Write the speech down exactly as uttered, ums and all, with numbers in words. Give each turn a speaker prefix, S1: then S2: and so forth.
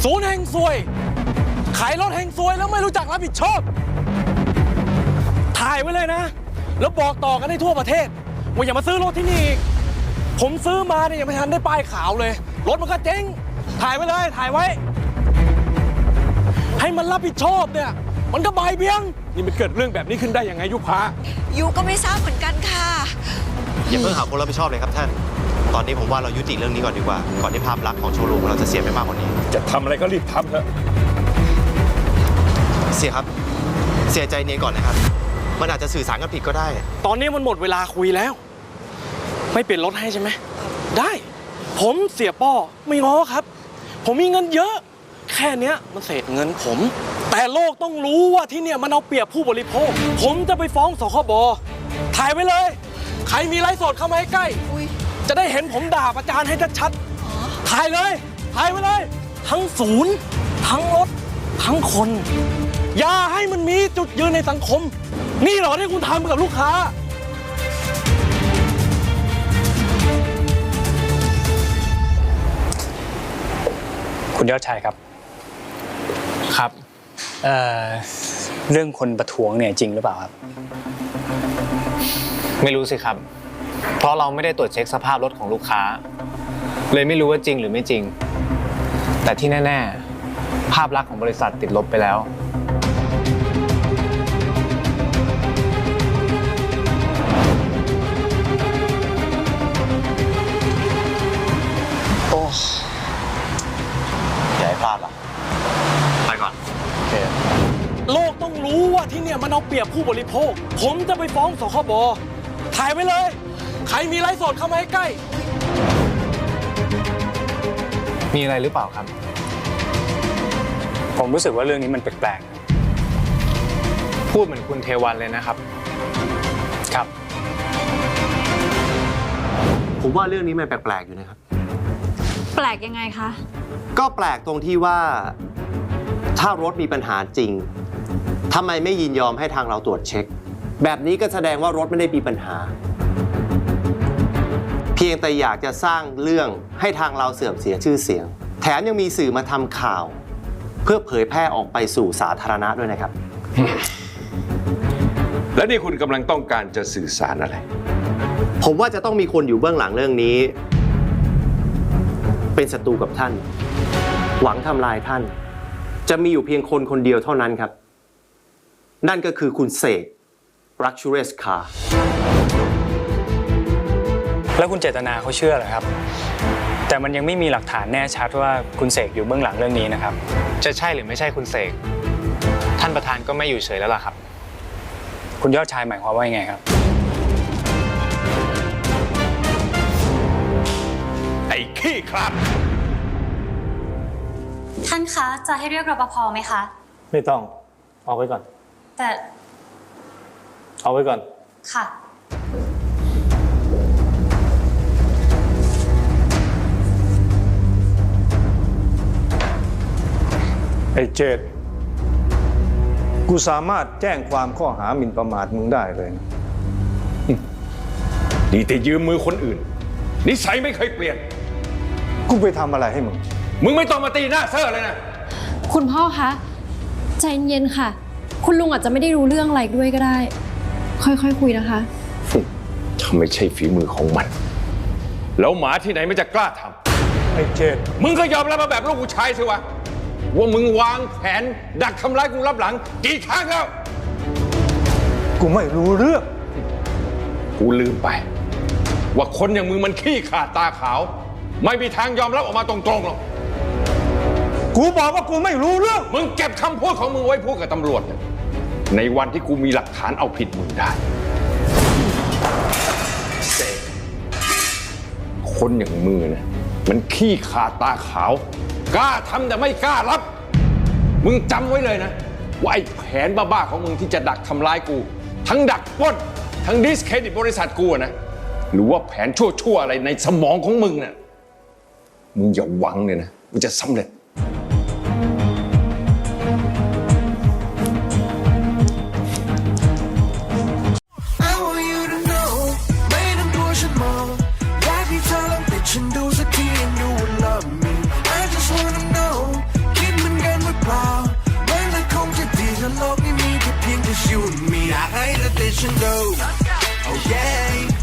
S1: ศูนย์แห่งซวยขายรถแห่งซวยแล้วไม่รู้จักรับผิดชอบถ่ายไว้เลยนะแล้วบอกต่อกันให้ทั่วประเทศว่าอย่ามาซื้อรถที่นี่อีกผมซื้อมาเนี่ยยังไม่ทันได้ป้ายขาวเลยรถมันก็เจ๊งถ่ายไว้เลยถ่ายไว้ให้มันรับผิดชอบเนี่ยมันก็บายเบี้ยงนี่มันเกิดเรื่องแบบนี้ขึ้นได้ยังไงยุพา
S2: ยูก็ไม่ทราบเหมือนกันค่ะ
S3: อย่าเพิ่งหาคนรับผิดชอบเลยครับท่านตอนนี้ผมว่าเรายุติเรื่องนี้ก่อนดีกว่าก่อนที่ภาพลักษณ์ของโชว์รูมเราจะเสียไปมากกว่านี้
S1: จะทำอะไรก็รีบทำเถอะ
S3: เสียครับเสียใจเนียนก่อนนะครับมันอาจจะสื่อสารกันผิดก็ได้
S1: ตอนนี้มันหมดเวลาคุยแล้วไม่เปลี่ยนรถให้ใช่ไหมได้ผมเสียป้อไม่ง้อครับผมมีเงินเยอะแค่เนี้ยมันเศษเงินผมแต่โลกต้องรู้ว่าที่เนี่ยมันเอาเปรียบผู้บริโภคผมจะไปฟ้องสคบถ่ายไว้เลยใครมีไลฟ์สดเข้ามาใกล้จะได้เห็นผมด่าประจานให้ชัดๆถ่ายเลยถ่ายไว้เลยทั้งศูนย์ทั้งรถทั้งคนอย่าให้มันมีจุดยืนในสังคมนี่เหรอที่คุณทำกับลูกค้า
S4: คุณยอดชัยครับ
S5: ครับ
S4: เอ่อเรื่องคนประท้วงเนี่ยจริงหรือเปล่าครับ
S5: ไม่รู้สิครับเพราะเราไม่ได้ตรวจเช็คสภาพรถของลูกค้าเลยไม่รู้ว่าจริงหรือไม่จริงแต่ที่แน่ๆภาพลักษณ์ของบริษัทติดลบไปแล้ว
S3: โอ้อย่าให้พลาดล่ะไปก่อนโอเค
S1: โลกต้องรู้ว่าที่เนี่ยมันเอาเปรียบผู้บริโภคผมจะไปฟ้องสคบถ่ายไว้เลยใครมีไลฟ์สดเข้ามาใกล้
S5: มีอะไรหรือเปล่าครับ
S4: ผมรู้สึกว่าเรื่องนี้มันแปลก
S5: ๆพูดเหมือนคุณเทวันเลยนะครับ
S4: ครับ
S3: ผมว่าเรื่องนี้มันแปลกๆอยู่นะครับ
S2: แปลกยังไงคะ
S3: ก็แปลกตรงที่ว่าถ้ารถมีปัญหาจริงทำไมไม่ยินยอมให้ทางเราตรวจเช็คแบบนี้ก็แสดงว่ารถไม่ได้มีปัญหาเพียงแต่อยากจะสร้างเรื่องให้ทางเราเสื่อมเสียชื่อเสียงแถมยังมีสื่อมาทำข่าวเพื่อเผยแพร่ออกไปสู่สาธารณะด้วยนะครับ
S6: และนี่คุณกำลังต้องการจะสื่อสารอะไร
S3: ผมว่าจะต้องมีคนอยู่เบื้องหลังเรื่องนี้เป็นศัตรูกับท่านหวังทำลายท่านจะมีอยู่เพียงคนคนเดียวเท่านั้นครับนั่นก็คือคุณเสก Luxurious Car
S4: แล้วคุณเจตนาเขาเชื่อเหรอครับแต่มันยังไม่มีหลักฐานแน่ชัดว่าคุณเสกอยู่เบื้องหลังเรื่องนี้นะครับ
S5: จะใช่หรือไม่ใช่คุณเสกท่านประธานก็ไม่อยู่เฉยแล้วล่ะครับ
S4: คุณยอดชายหมายความว่ายังไงครับ
S6: ไอ้ขี้ครับ
S7: ท่านคะจะให้เรียกรปภไหมคะ
S1: ไม่ต้องเอาไว้ก่อน
S7: แต่
S1: เอาไว้ก่อน
S7: ค่ะ
S8: ไอ้เจดกูสามารถแจ้งความข้อหาหมิ่นประมาทมึงได้เลยนะ
S6: ดีแต่ยืมมือคนอื่นนิสัยไม่เคยเปลี่ยน
S8: กูไปทำอะไรให้มึง
S6: มึงไม่ต้องมาตีหน้าเซ่อเลยนะ
S9: คุณพ่อคะใจเย็นค่ะคุณลุงอาจจะไม่ได้รู้เรื่องอะไรด้วยก็ได้ค่อยๆ ค, คุยนะคะ
S6: ถ้าไม่ใช่ฝีมือของมันแล้วหมาที่ไหนมันจะกล้าทำ
S8: ไอ้เจด
S6: มึงก็ยอมรับมาแบบลูกผู้ชายสิวะว่ามึงวางแผนดักทำร้ายกูรับหลังกี่ครั้งแล้ว
S8: กูไม่รู้เรื่อง
S6: กูลืมไปว่าคนอย่างมึงมันขี้ขาดตาขาวไม่มีทางยอมรับออกมาตรงๆหรอก
S8: กูบอกว่ากูไม่รู้เรื่อง
S6: มึงเก็บคำพูดของมึงไว้พูดกับตำรวจในวันที่กูมีหลักฐานเอาผิดมึงได้เสกคนอย่างมึงนะมันขี้ขาดตาขาวกล้าทำแต่ไม่กล้ารับมึงจำไว้เลยนะว่าไอ้แผนบ้าๆของมึงที่จะดักทำร้ายกูทั้งดักปล้นทั้งดิสเครดิตบริษัทกูนะหรือว่าแผนชั่วๆอะไรในสมองของมึงน่ะมึงอย่าหวังเลยนะมึงจะสำเร็จ
S10: ฉันดูสักที and you will love me I just wanna know ฉันดู oh yeah